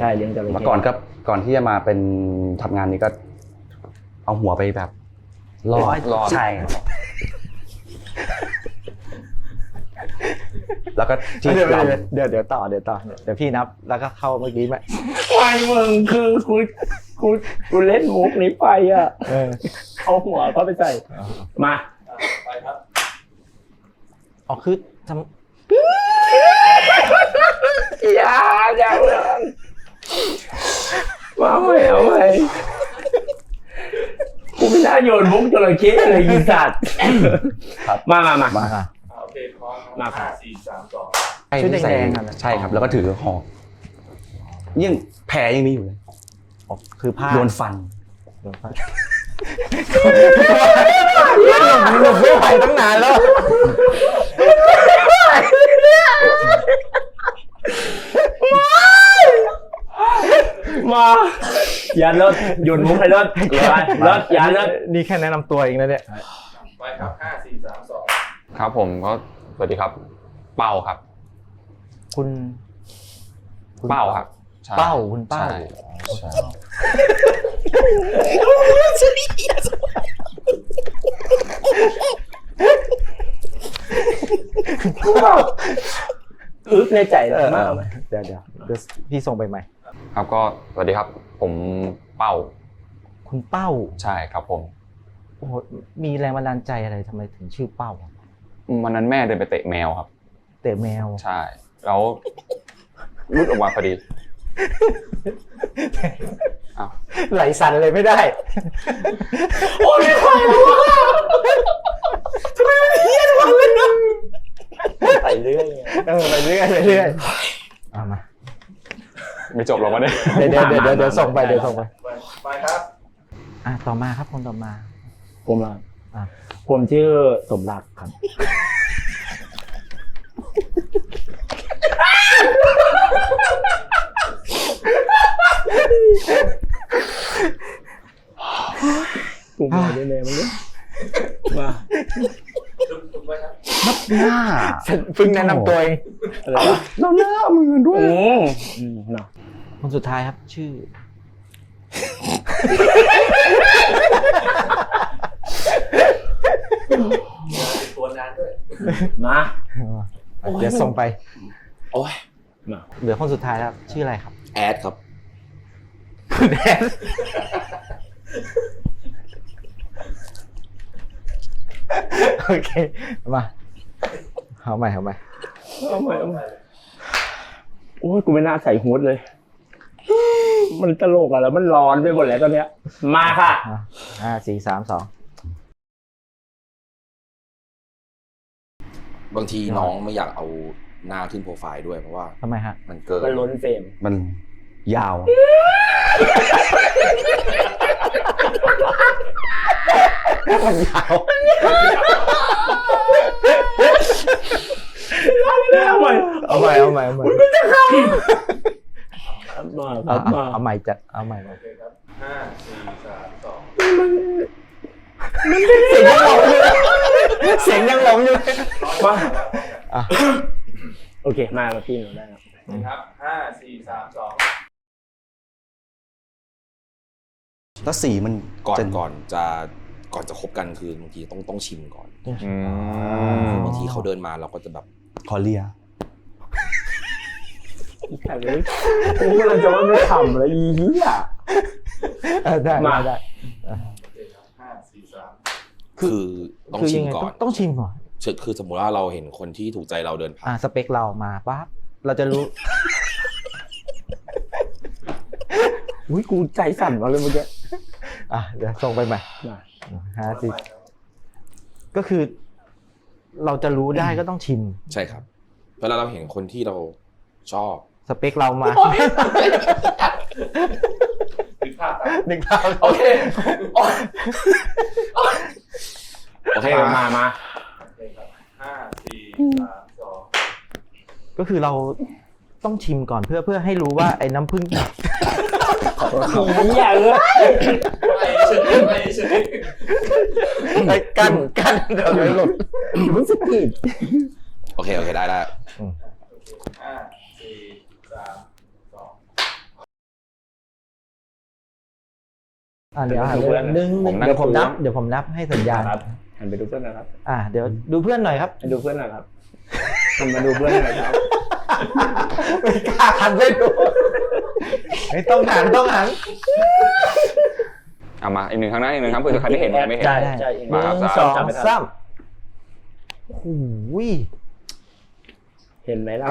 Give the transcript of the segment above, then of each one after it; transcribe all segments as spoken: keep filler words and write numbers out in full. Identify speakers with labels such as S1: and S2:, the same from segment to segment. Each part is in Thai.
S1: ช่เลี้ยงจระเข้
S2: เมื่อก่อนก็ก่อนที่จะมาเป็นทำงานนี้ก็เอาหัวไปแบบรอดรอดใช่แล้วก็ที่
S1: เดี๋ยวเดี๋ยวเดี๋ยวต่อเดี๋ยวต่อเดี๋ยวพี่นับแล้วก็เข้าเมื่อกี้ไหมไฟมึงคือกูกูกูเล่นมุกนี้ไปอ่ะเอาหัวเขาไปใส่มา
S3: ไปครับ
S1: อ๋อคือทำ
S3: อย่าอย่าเลยมาไม่เอาไปกูไม่น่าโยนมุกจระเข้เลยยิงสัตว์มามามา
S1: มา
S3: โอเคพร้อมมาค่ะสี่สามสอง
S1: ชุดแดงๆ
S2: ใช่ครับแล้วก็ถือหอกยังแผลยังมีอยู่เลย
S1: คือผ้า
S2: โดนฟัน
S1: โดนฟันหลบไม่ไหวตั้งนานแล้ว
S3: มาอย่าเลิศหยุดมุกให้เลิศเลิศอย่าเลิศ
S1: นี่แค่แนะนำตัวเองนะเนี่ย
S3: ไปครับห้าสี่สามสอง
S4: ครับผมก็สวัสดีครับเป้าครับ
S1: คุณ
S4: เป้าครับ
S1: เป้าคุณเป้า
S3: อึ๊กในใจเลยมาก
S1: เดี๋ยวเดี๋ยวพี่ส่งไปใหม่
S4: ครับก็สวัสดีครับผมเป้า
S1: คุณเป้า
S4: ใช่ครับผม
S1: โอ้มีแรงบันดาลใจอะไรทำไมถึงชื่อเป้า
S4: วันนั้นแม่เดินไปเตะแมวครับ
S1: เตะแมว
S4: ใช่แล้วรุดออกมาพอดี
S1: ไหลสั่นเลยไม่ได้
S3: โอ้ยไม่ไหวทำไมมันเฮี้ยนวันเลยนะ
S1: ไปเรื่อยเออไปเรื่อยไปเรื่อยเอามา
S4: ไม่จบหรอกวะเนี่ย
S1: เดี๋ยวเดี๋ยวเดี๋ยวเดี๋ยวส่งไปเดี๋ยวส่งไป
S3: ไปครับ
S1: อ่ะต่อมาครับคนต่อมา
S3: ผมล่ะผมชื่อสมรักครับกูมาได้แน่มันเนี่ยมา
S2: นับหน้า
S1: เพิ่งแนะนำตัวเอง
S2: เราหน้ามือด้วย
S1: คนสุดท้ายครับชื่อ
S3: ตัวนานด้วยมา
S1: เดี๋ยวส่งไป
S3: โอ้ย
S1: เหลือคนสุดท้ายแล้วชื่ออะไรครับ
S3: แอดครับ
S1: คุณแอดโอเคมาเอาใหม่เอาใหม่
S3: เอาใหม่เอาใหม่โอ้ยกูไม่น่าใส่ฮู้ดเลยมันตลกอะแล้วมันร้อนไปหมดแล้วตอนเนี้ยมาค่ะ
S1: ห้าสี่สามสอง
S5: บางทีน้องไม่อยากเอาหน้าขึ้นโปรไฟล์ด้วยเพราะว่า
S1: ทำไมฮะ
S5: มันเกิน
S3: มันล้นเฟรม
S2: มันยาว
S1: มันยาว
S3: เอาใหม่
S1: เอาใหม่เอาใหม่เอาใหม่
S3: มันจะเข้ามา
S1: เอาใหม่จัดเอาใหม่โอเคครับ
S3: ห้าสี่สามสอง
S1: มันมันเสียงยังหลงอยู่เสียงยังหลงอยู่มา
S3: โอเคมามาพี่หนูได้ครับ
S5: ครับห้าสี่สามสอง
S2: แล้วสีมัน
S5: ก่อนก่อนจะก่อนจะคบกันคือบางทีต้องต้องชิมก่อนบางทีเขาเดินมาเราก็จะแบบ
S2: ขอเลีย
S3: แค่เลยผมกำลังจะว่าไม่ทำเลยอีเหี้ย
S1: ได้มาได้
S5: ห้าสี่สามคือต้องชิมก่อน
S1: ต้องชิมก่อน
S5: คือสมมติว่าเราเห็นคนที่ถูกใจเราเดินผ่าน
S1: สเปคเรามาปั๊บเราจะรู้
S3: อุ้ยกูใจสั่นมาเลยเมื่อกี้
S1: อ่ะเดี๋ยวส่งไปใหม่ห้าสิบก็คือเราจะรู้ได้ก็ต้องชิม
S5: ใช่ครับเวลาเราเห็นคนที่เราชอบ
S1: สเปคเรามา
S3: นึกภาพ
S1: นึกภาพ
S3: โอเคโอเคมามาห้าสี่สามสอง
S1: ก็คือเราต้องชิมก่อนเพื่อเพื่อให้รู้ว่าไอ้น้ำผึ้ง
S3: ขี้อย่าเลยไม่ใช่ไม่ใช่
S1: ไอ้กันกันเดี๋ยวหลุด
S3: มึงสกิด
S5: โอเคโอเคได้ได้
S3: ห้าสี่สาม
S1: อ่าเดี๋ยวหันไปหนึ่งหนึ่งเดี๋ยวผมนับเดี๋ยวผมนับให้สัญญาณ
S3: ครับหันไปดูเพื่อนนะครับ
S1: อ่าเดี๋ยวดูเพื่อนหน่อยครับ
S3: หันดูเพื่อนหน่อยครับหันมาดูเพื่อนหน่อยครับ
S1: ไม่กล้าหันไปดูไม่ต้องหันต้องหัน
S4: เอามาอีกหนึ่งครั้งนะอีกหนึ่งครั้งเพื่อใครไม่เห็นไม่เห็น
S3: ใช่ใช่
S4: มาครับ
S1: หนึ่งสองสามโอ้โห
S3: เห็นไหมล่ะ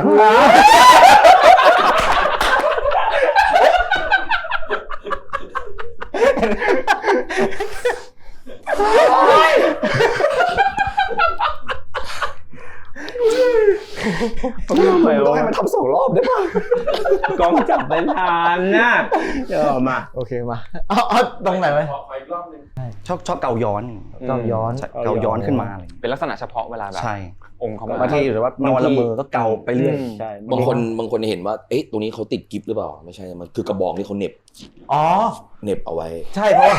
S2: ต้องให้มันทำสองรอบได้ป่ะ
S3: กล้องจับไปทานนะเดี๋ยวมา
S1: โอเคมาเอาเอาตรงไหนไหม
S2: ชอบชอบเกาย้อน
S1: ต้องย้อน
S2: ใช่เกาย้อนขึ้นมาอะไรอย่างเงี้ย
S4: เป็นลักษณะเฉพาะเวลาแบบ
S2: ใช่
S4: องค์เขา
S2: บางทีหรือว่านอนละเมอก็เกาไปเรื่อย
S3: ใช่
S5: บางคนบางคนเห็นว่าเอ๊ะตรงนี้เขาติดกิฟต์หรือเปล่าไม่ใช่มันคือกระบอกที่เขาเหน็บ
S1: อ๋อ
S5: เหน็บเอาไว้
S1: ใช่เพราะว่า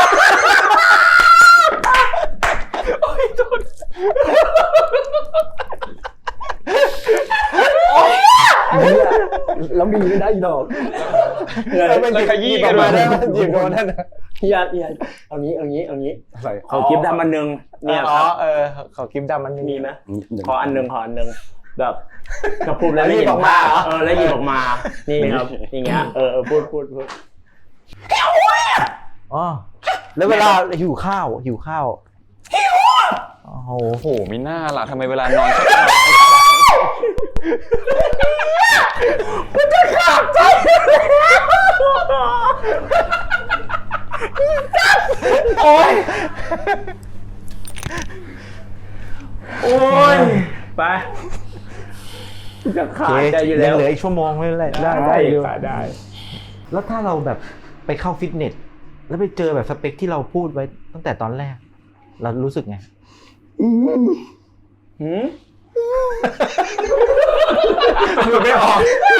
S1: แล้วมีไม่ได้อีดอก
S3: แล้วมัน
S4: แล้วขยี้กัน
S1: มา
S4: มา
S1: ได้
S4: ได้
S1: มันหยิบมาได้
S3: อย่าอย่าเอางี้เอางี้เอางี้เขาคลิปดำอันหนึ่งเนี่ย
S1: อ๋
S3: ค
S1: อ
S3: รับ
S1: เออขอคลิปดำมัน
S3: มีไหม
S2: อย่าง
S3: ขออันหนึ่งขออันหนึ่งแบบกระพุ้แล้ว
S1: แล้วหยิบออกมาเหรอ
S3: เออแล้วหยิบออกมานี่ครับอย่างเงี้ยเออเออพูดพูดพูด
S1: อ๋อแล้วเวลาหิวข้าวหิวข้าวหิวโอ้โห
S4: โอ้โหมีหน้าล่ะทำไมเวลานอนชอบ
S3: โอ้ยโอ้ยไปจะขาดใจอยู่แล้ว
S1: เหลืออีกชั่วโมงไม่เป็นไรได้ได้
S3: ได้
S1: อยู่
S3: ได้
S1: แล้วถ้าเราแบบไปเข้าฟิตเนสแล้วไปเจอแบบสเปคที่เราพูดไว้ตั้งแต่ตอนแรก เรารู้สึกไง
S3: หืม
S1: พูดไม่ออก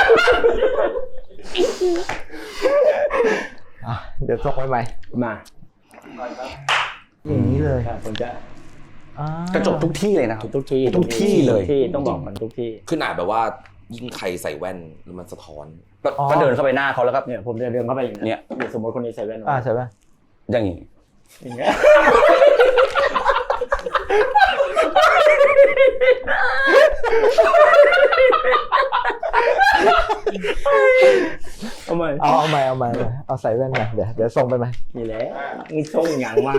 S1: อ่ะเดี๋ยวส่งไปใหม่
S3: มา
S1: อย่างนี้เลย
S3: ครับผมจะ
S1: อ่าก
S2: ระจกทุกที่เลยนะครับ
S3: ทุกที่
S2: ทุกที่เลย
S3: ทุกที่ต้องบอกกันทุกที่
S5: ขึ้นอาจแบบว่ายิ่งใครใส่แว่นแล้วมันสะท้อน
S2: ก็ก็เดินเข้าไปหน้าเขาแล้วก็
S3: เนี่ยผมจะเดินเข้าไปอย่าง
S2: เนี่
S3: เนี้ย
S2: ย
S3: สมมติคนนี้ใส่แว่น
S1: อ่าใช่ป่ะ
S2: อย่างนี้
S3: อย่างเงี้ยเอาใหม่
S1: เอาเอาใหม่เอาใหม่เอาใหม่เอาใส่แว่นใหม่เดี๋ยวเดี๋ยวส่งไปใหม่
S3: นี่แหละนี่ส่งอย่างมา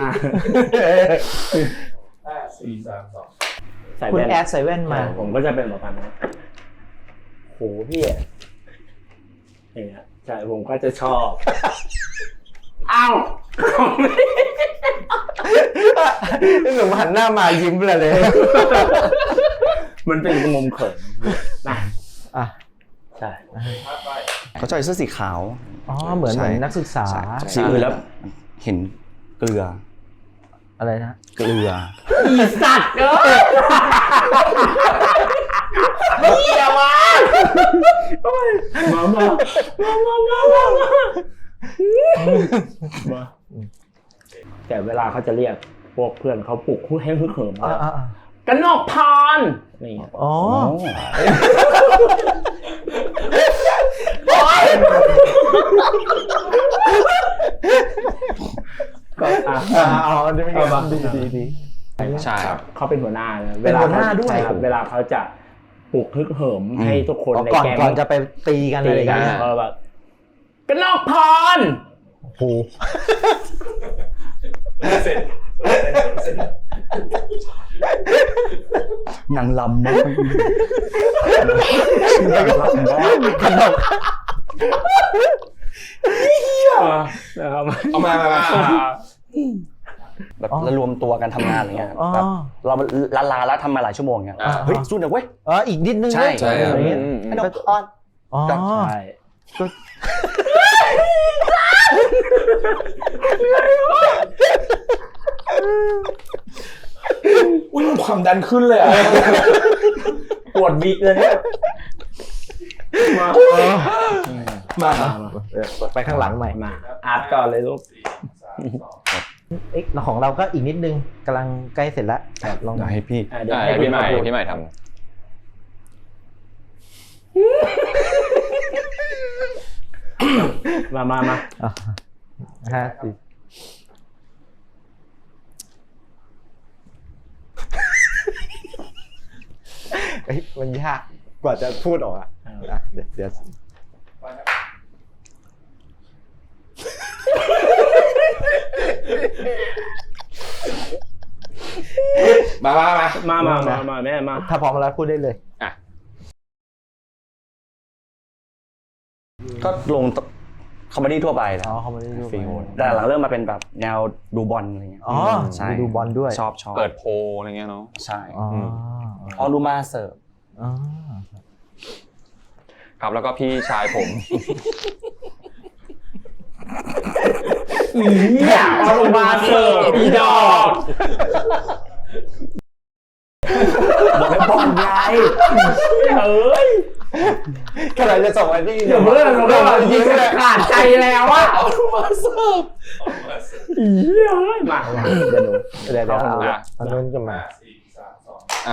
S3: ใส่
S1: คุณ
S3: แว่น
S1: แอดใส่แว่นมา
S3: ผมก็จะเป็นแบบนั้นนะโหพี่อะอย่างเงี้ยใช่ผมก็จะชอบอ้าว
S1: หนุ่มหันหน้ามายิ้มเลยเลย
S3: มันเป็นมุมเขินนะ
S1: อ่ะ
S3: ใช่
S2: เขาใส่เสื้อสีขาว
S1: อ๋อเหมือนเหมือนนักศึกษา
S2: ใช่สีอื่นแล้วเห็นเกลือ
S1: อะไรนะ
S2: เกลือ
S3: อีสัตว์เอ้ยเหี้ยมามามามามามามาแต่เวลาเขาจะเรียกพวกเพื่อนเขาปลุกให้ฮึกเหิม
S1: อ่าอ่า
S3: กันนอกพานนี่
S1: อ๋อ
S3: ก็อ่ะ
S1: อ่าอ๋อดีดีดีดี
S4: ใช่ครับ
S3: เขาเป็นหัวหน้านะ
S1: เป็นหัวหน้าด้วย
S3: ใช่ครับเวลาเขาจะปลุกฮึกเหิมให้ทุกคนใน
S1: ก่อน
S3: แก๊ง
S1: ก่อนจะไปตีกันอะไรอย่างเงี้ย
S3: เออแบบกันนอกพาน
S1: โอ้โห
S2: นางลำมาก
S1: ขนม
S3: นะครับ
S5: เอามามามา
S2: แบบแล้วรวมตัวกันทำงานอะไรเงี้ย
S1: อ๋อ
S2: แบบเราลาลาแล้วทำมาหลายชั่วโมงเงี้ย
S4: อ่า
S2: เฮ้ยสู้หน่อยเว้ย
S1: อ๋ออีกนิดนึง
S2: ใช่
S5: ใช่ครับ
S1: อะไรเงี้ย
S4: อืมอืม
S2: ให้น้องออน
S1: อ๋อ
S3: ใช่
S5: อุ้ยความดันขึ้นเลยอ่ะ
S3: ปวดวิกเลยเนี่ยมา
S5: มา
S1: ไปข้างหลังใหม่
S3: มาอาร์ตก่อนเลยลูก
S1: เอ๊ะแล้วของเราก็อีกนิดนึงกำลังใกล้เสร็จแล้วลอง
S2: เดี๋ยวให้พี่
S3: อ่ะเดี๋ยว
S4: อ่า
S3: ให้
S4: พี่ใหม่
S3: พูด
S4: พี่ใหม่ท
S3: มามามา
S1: อ่ะห้าสี่เฮ้ยมันยากกว่าจะพูดออกอ่ะนะเดี๋ยวเดี๋ยว
S5: มามามา
S3: มามามามาแม่มา
S1: ถ้าพร้อมแล้วพูดได้เลย
S2: ก็ลงคอมเมดี้ทั่วไปแหละ
S1: อ๋อเขาไม่ได้ดู
S2: ฟิลแต่หลังเริ่มมาเป็นแบบแนวดูบอลอะไรเงี้ย
S1: อ๋อ
S2: ใช่
S1: ดูบอลด้วย
S2: ชอบชอบ
S4: เปิดโพลอะไรเงี้ยเนาะ
S2: ใช่
S1: อ๋อ
S2: พอดูมาเสิร์ฟ
S1: อ๋อ
S4: ครับแล้วก็พี่ชายผม
S3: เนี่ยเอาลงมาเสิร์ฟอีดอก
S2: บอกให้บอลไง
S3: เอ้ย
S1: ขนาดจะส่งไปที่
S3: เดี๋ยวเพื่อนเราก็ยิงขาดใจแล้วอะเอาลงมาเสิร์ฟอีเหี้ยมา
S1: เดี๋ยวหนูเดี๋ยวเดี๋ยวเอา
S4: อ่ะ
S1: เอานู้นจะมา
S5: ส